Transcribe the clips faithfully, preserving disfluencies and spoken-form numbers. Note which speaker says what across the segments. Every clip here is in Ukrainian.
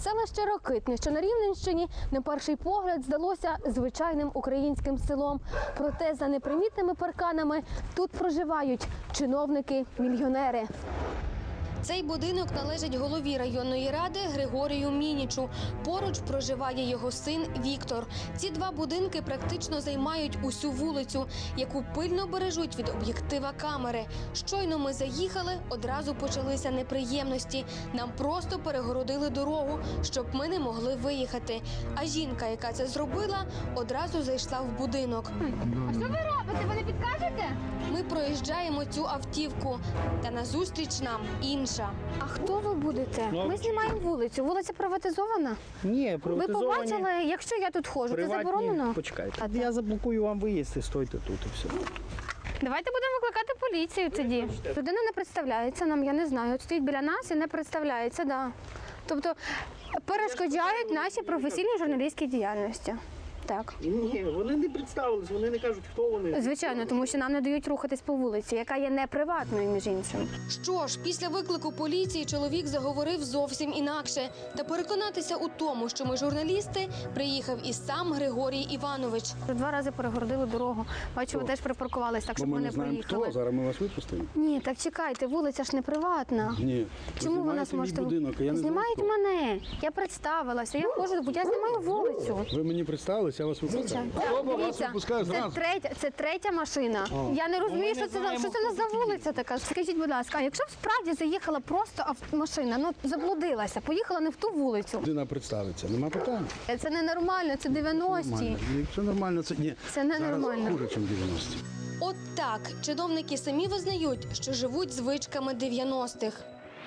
Speaker 1: Селище Рокитне, що на Рівненщині, на перший погляд здалося звичайним українським селом. Проте за непримітними парканами тут проживають чиновники-мільйонери. Цей будинок належить голові районної ради Григорію Мінічу. Поруч проживає його син Віктор. Ці два будинки практично займають усю вулицю, яку пильно бережуть від об'єктива камери. Щойно ми заїхали, одразу почалися неприємності. Нам просто перегородили дорогу, щоб ми не могли виїхати. А жінка, яка це зробила, одразу зайшла в будинок.
Speaker 2: А що ви робите? Ви не підкажете?
Speaker 1: Ми проїжджаємо цю автівку, та назустріч нам інша. А хто ви будете? Ми знімаємо вулицю. Вулиця приватизована?
Speaker 3: Ні,
Speaker 1: Ви
Speaker 3: приватизовані.
Speaker 1: побачили, якщо я тут ходжу, це
Speaker 3: Приватні.
Speaker 1: заборонено?
Speaker 3: Почекайте.
Speaker 1: А
Speaker 3: Я заблокую вам виїзд і стойте тут і все.
Speaker 1: Давайте будемо викликати поліцію тоді. Людина не представляється нам, я не знаю. От стоїть біля нас і не представляється, да. Тобто перешкоджають нашій професійній журналістській діяльності. Так.
Speaker 3: Ні, вони не представились, вони не кажуть, хто вони.
Speaker 1: Звичайно, тому що нам не дають рухатись по вулиці, яка є не приватною, між іншим. Що ж, після виклику поліції чоловік заговорив зовсім інакше. Та переконатися у тому, що ми журналісти, приїхав і сам Григорій Іванович. Два рази перегородили дорогу. Бачу, ви теж припаркувались, так, щоб ми не проїхали.
Speaker 3: Зараз ми вас випустимо.
Speaker 1: Ні, так чекайте, вулиця ж не приватна.
Speaker 3: Ні.
Speaker 1: Чому ви нас можете... Знімають мене. Я представилася, я ходжу, бо я знімаю вулицю.
Speaker 3: Ви мені представились, я вас випускаю.
Speaker 1: Дивіться, це третя, це третя машина.
Speaker 3: О.
Speaker 1: Я не розумію,
Speaker 3: Ну, ми
Speaker 1: що
Speaker 3: не
Speaker 1: це, за- що це у нас
Speaker 3: знаємо,
Speaker 1: за вулиця така. Скажіть, будь ласка, а якщо б справді заїхала просто ав- машина, ну заблудилася, поїхала не в ту вулицю.
Speaker 3: Людина представиться, нема питань.
Speaker 1: Це ненормально, це дев'яності.
Speaker 3: Нормально. Якщо нормально, це ні.
Speaker 1: Це ненормально.
Speaker 3: Зараз хуже, ніж дев'яності.
Speaker 1: От так, чиновники самі визнають, що живуть звичками дев'яностих.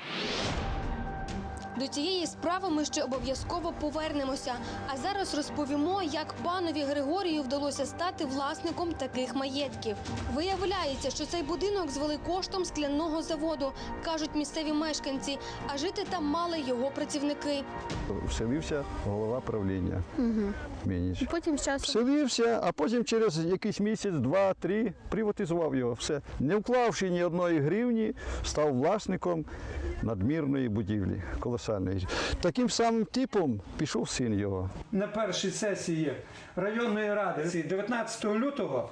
Speaker 1: До цієї справи ми ще обов'язково повернемося. А зараз розповімо, як панові Григорію вдалося стати власником таких маєтків. Виявляється, що цей будинок звели коштом скляного заводу, кажуть місцеві мешканці, а жити там мали його працівники.
Speaker 4: Вселився голова правління Мініч.
Speaker 1: Потім з часом...
Speaker 4: Вселився, а потім через якийсь місяць, два, три приватизував його. Все. Не вклавши ні одної гривні, став власником надмірної будівлі, колосальної. Таким самим типом пішов син його.
Speaker 5: На першій сесії районної ради дев'ятнадцятого лютого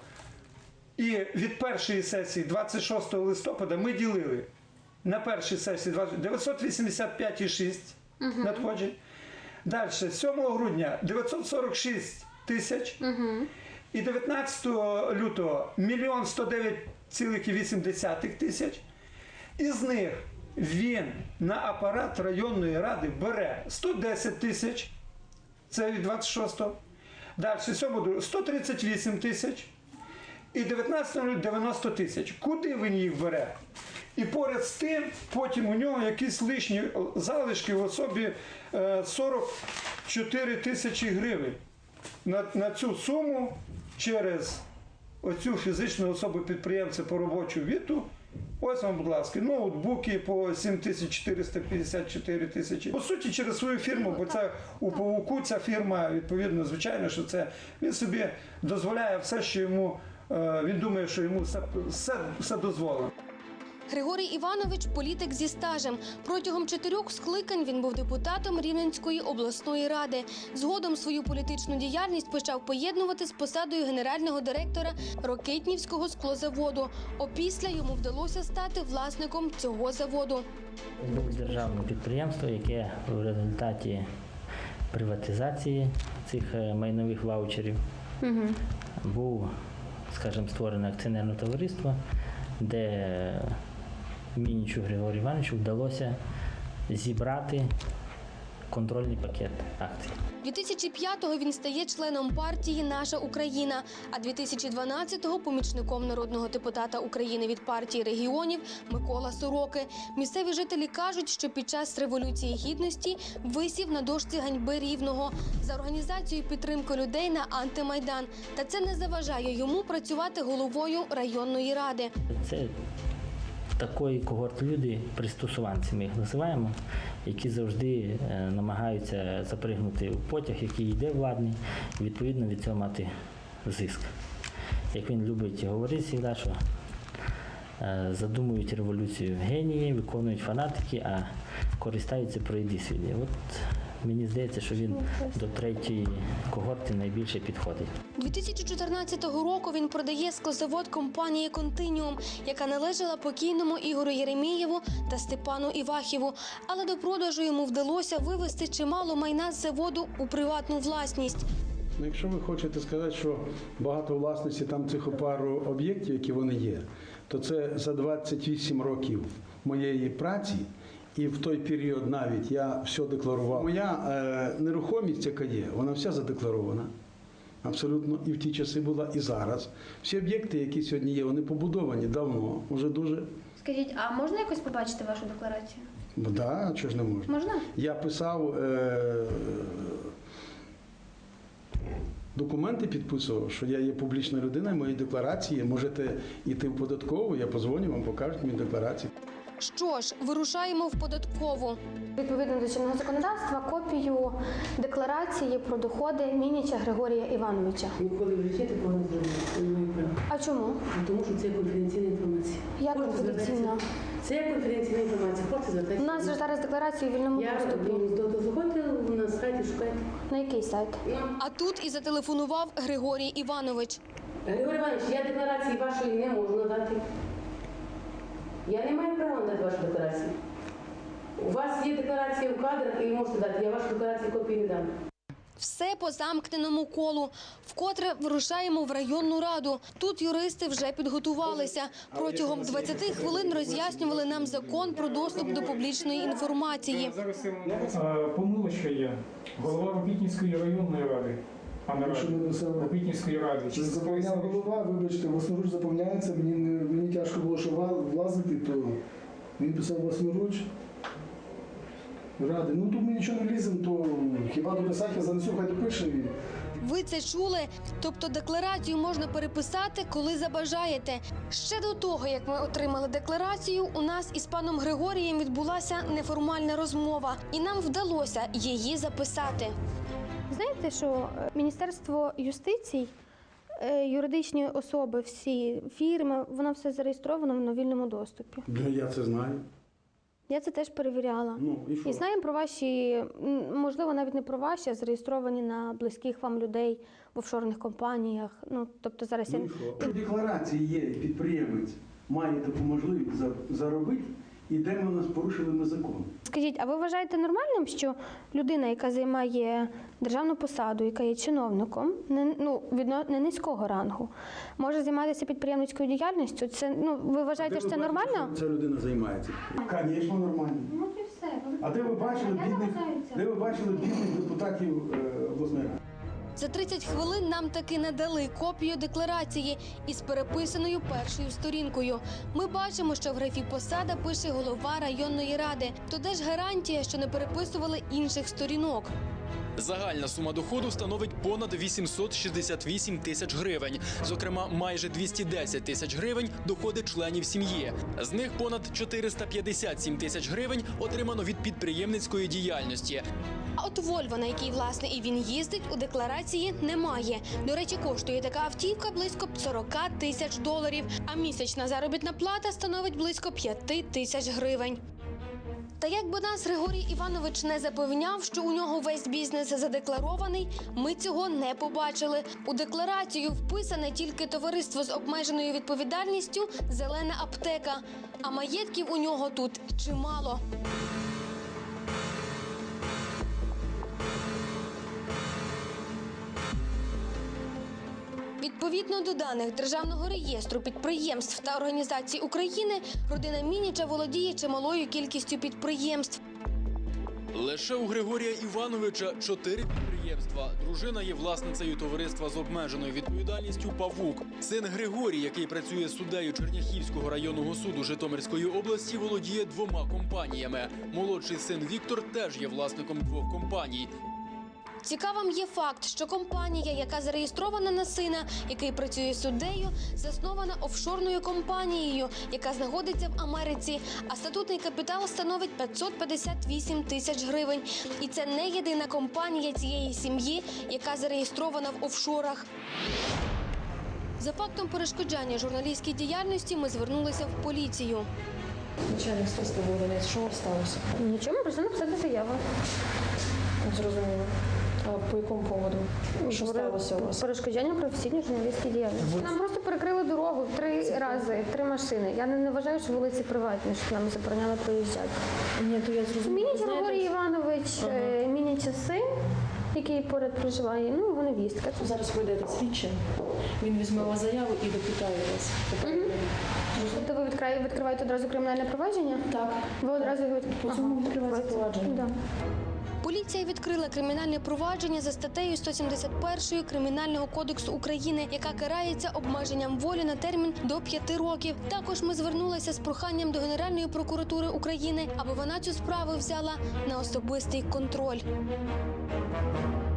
Speaker 5: і від першої сесії двадцять шостого листопада ми ділили на першій сесії дев'ятсот вісімдесят п'ять цілих шість десятих надходжень. Далі, сьомого грудня дев'ятсот сорок шість тисяч і дев'ятнадцятого лютого мільйон сто дев'ять цілих вісім десятих тисяч. Із них він на апарат районної ради бере сто десять тисяч, це від двадцять шостого. Далі, сьомого сто тридцять вісім тисяч і дев'ятнадцятого дев'яносто тисяч. Куди він їх бере? І поряд з тим, потім у нього якісь лишні залишки в особі сорок чотири тисячі гривень. На, на цю суму через оцю фізичну особу підприємця по робочу віту, ось вам, будь ласка, ноутбуки по сім тисяч чотириста п'ятдесят чотири тисячі. По суті, через свою фірму, бо це у Павуку ця фірма, відповідно, звичайно, що це він собі дозволяє все, що йому, він думає, що йому все, все, все дозволено.
Speaker 1: Григорій Іванович – політик зі стажем. Протягом чотирьох скликань він був депутатом Рівненської обласної ради. Згодом свою політичну діяльність почав поєднувати з посадою генерального директора Рокитнівського склозаводу. Опісля йому вдалося стати власником цього заводу.
Speaker 6: Було державне підприємство, яке в результаті приватизації цих майнових ваучерів угу. був, скажімо, створене акціонерне товариство, де Мінічу Григорію Івановичу вдалося зібрати контрольний пакет акцій.
Speaker 1: дві тисячі п'ятого він стає членом партії «Наша Україна», а дві тисячі дванадцятого – помічником народного депутата України від партії регіонів Микола Сороки. Місцеві жителі кажуть, що під час Революції Гідності висів на дошці ганьби Рівного за організацію підтримки людей на антимайдан. Та це не заважає йому працювати головою районної ради.
Speaker 6: Це такої когорт люди, пристосуванці ми їх називаємо, які завжди намагаються запригнути у потяг, який йде владний, і відповідно від цього мати зиск. Як він любить говорити завжди, що задумують революцію генії, виконують фанатики, а користаються пройди світлі. От Мені здається, що він до третьої когорти найбільше підходить.
Speaker 1: дві тисячі чотирнадцятого року він продає склозавод компанії «Континіум», яка належала покійному Ігорю Єремієву та Степану Івахіву. Але до продажу йому вдалося вивести чимало майна з заводу у приватну власність.
Speaker 3: Ну, якщо ви хочете сказати, що багато власності там цих пару об'єктів, які вони є, то це за двадцять вісім років моєї праці, і в той період навіть я все декларував. Моя е, нерухомість, яка є, вона вся задекларована. Абсолютно. І в ті часи була, і зараз. Всі об'єкти, які сьогодні є, вони побудовані давно, вже дуже.
Speaker 2: Скажіть, а можна якось побачити вашу декларацію?
Speaker 3: Так, да, чого ж не можна?
Speaker 2: Можна?
Speaker 3: Я писав, е, документи підписував, що я є публічна людина, і мої декларації, можете йти в податкову, я позвоню, вам покажуть мої декларації.
Speaker 1: Що ж, вирушаємо в податкову. Відповідно до чинного законодавства, копію декларації про доходи Мініча Григорія Івановича.
Speaker 7: Ніколи в житті такого не зробили. Це не маю права.
Speaker 1: А чому?
Speaker 7: Тому що це конфіденційна інформація.
Speaker 1: Як
Speaker 7: Хочете
Speaker 1: конфіденційна?
Speaker 7: звертатися? Це є конфіденційна інформація. Хочете
Speaker 1: У
Speaker 7: звертатися?
Speaker 1: нас же зараз декларації в вільному
Speaker 7: Я
Speaker 1: доступі.
Speaker 7: то, то заходьте на сайт і шукайте.
Speaker 1: На який сайт?
Speaker 7: Ну,
Speaker 1: А тут і зателефонував Григорій Іванович.
Speaker 7: Григорій Іванович, я декларації вашої не можу надати. Я не маю права надати вашу декларацію. У вас є декларація в кадрах, і ви можете дати. Я вашу декларацію копії не дам.
Speaker 1: Все по замкненому колу. Вкотре вирушаємо в районну раду. Тут юристи вже підготувалися. Протягом двадцяти хвилин роз'яснювали нам закон про доступ до публічної інформації.
Speaker 8: Е, Помилочка є. Голова Робітницької районної ради. А не
Speaker 9: Якщо
Speaker 8: ради.
Speaker 9: не написали,
Speaker 8: Робітницької ради.
Speaker 9: чи заповняв голова, вибачте, власноруч заповняється, мені, не- мені тяжко було, що ва- влазити, то він писав власноруч. Ради. Ну тут ми нічого не ліземо, то хіба дописати, я занесу, хай допише. І...
Speaker 1: Ви це чули? Тобто декларацію можна переписати, коли забажаєте. Ще до того, як ми отримали декларацію, у нас із паном Григорієм відбулася неформальна розмова. І нам вдалося її записати. Знаєте, що Міністерство юстиції, юридичні особи, всі фірми, воно все зареєстровано в вільному доступі.
Speaker 3: Ну, я це знаю.
Speaker 1: Я це теж перевіряла.
Speaker 3: Ну, і що?
Speaker 1: І знаємо про ваші, м, можливо, навіть не про ваші, а зареєстровані на близьких вам людей в офшорних компаніях. Ну, тобто зараз я...
Speaker 3: Ну, і що? В декларації є, підприємець має таку можливість за- заробити, і де ми нас порушили ми закон.
Speaker 1: Скажіть, а ви вважаєте нормальним, що людина, яка займає державну посаду, яка є чиновником, не, ну, відно, не низького рангу, може займатися підприємницькою діяльністю? Це, ну, ви вважаєте,
Speaker 3: Де
Speaker 1: що
Speaker 3: ви
Speaker 1: це
Speaker 3: бачите,
Speaker 1: нормально?
Speaker 3: що ця людина займається? Звісно, нормально.
Speaker 2: Ну і все.
Speaker 3: А де ви бачили бідних, де ви бачили бідних депутатів е, обласної ради?
Speaker 1: За тридцять хвилин нам таки надали копію декларації із переписаною першою сторінкою. Ми бачимо, що в графі «Посада» пише голова районної ради. То де ж гарантія, що не переписували інших сторінок?
Speaker 10: Загальна сума доходу становить понад вісімсот шістдесят вісім тисяч гривень. Зокрема, майже двісті десять тисяч гривень – доходи членів сім'ї. З них понад чотириста п'ятдесят сім тисяч гривень отримано від підприємницької діяльності.
Speaker 1: А от «Вольво», на якій, власне, і він їздить, у декларації немає. До речі, коштує така автівка близько сорок тисяч доларів, а місячна заробітна плата становить близько п'ять тисяч гривень. Та як би нас Григорій Іванович не запевняв, що у нього весь бізнес задекларований, ми цього не побачили. У декларацію вписане тільки товариство з обмеженою відповідальністю «Зелена аптека», а маєтків у нього тут чимало. Відповідно до даних Державного реєстру підприємств та організацій України, родина Мініча володіє чималою кількістю підприємств.
Speaker 10: Лише у Григорія Івановича чотири підприємства. Дружина є власницею товариства з обмеженою відповідальністю «Павук». Син Григорій, який працює суддею Черняхівського районного суду Житомирської області, володіє двома компаніями. Молодший син Віктор теж є власником двох компаній.
Speaker 1: Цікавим є факт, що компанія, яка зареєстрована на сина, який працює суддею, заснована офшорною компанією, яка знаходиться в Америці, а статутний капітал становить п'ятсот п'ятдесят вісім тисяч гривень. І це не єдина компанія цієї сім'ї, яка зареєстрована в офшорах. За фактом перешкоджання журналістській діяльності ми звернулися в поліцію.
Speaker 7: Начальник слідства Володимир, що сталося?
Speaker 1: Нічого, ми прийшли написати заяву.
Speaker 11: Зрозуміло. А по якому поводу? Що сталося у вас?
Speaker 1: Перешкоджання професійній журналістській діяльності. Нам просто перекрили дорогу в три рази, три машини. Я не, не вважаю, що вулиці приватні, що нам забороняли проїжджати.
Speaker 11: Ні, то я зрозуміла.
Speaker 1: Мініч Григорій Іванович, ага. Мініча син, який поряд проживає, ну його невістка.
Speaker 11: Зараз вийде слідчим, він візьме у вас заяву і допитає вас.
Speaker 1: Угу. Тобто ви відкриваєте, відкриваєте одразу кримінальне провадження?
Speaker 11: Так.
Speaker 1: Ви одразу його
Speaker 11: По цьому відкривається провадження.
Speaker 1: Да. Поліція відкрила кримінальне провадження за статтею сто сімдесят один Кримінального кодексу України, яка карається обмеженням волі на термін до п'яти років. Також ми звернулися з проханням до Генеральної прокуратури України, аби вона цю справу взяла на особистий контроль.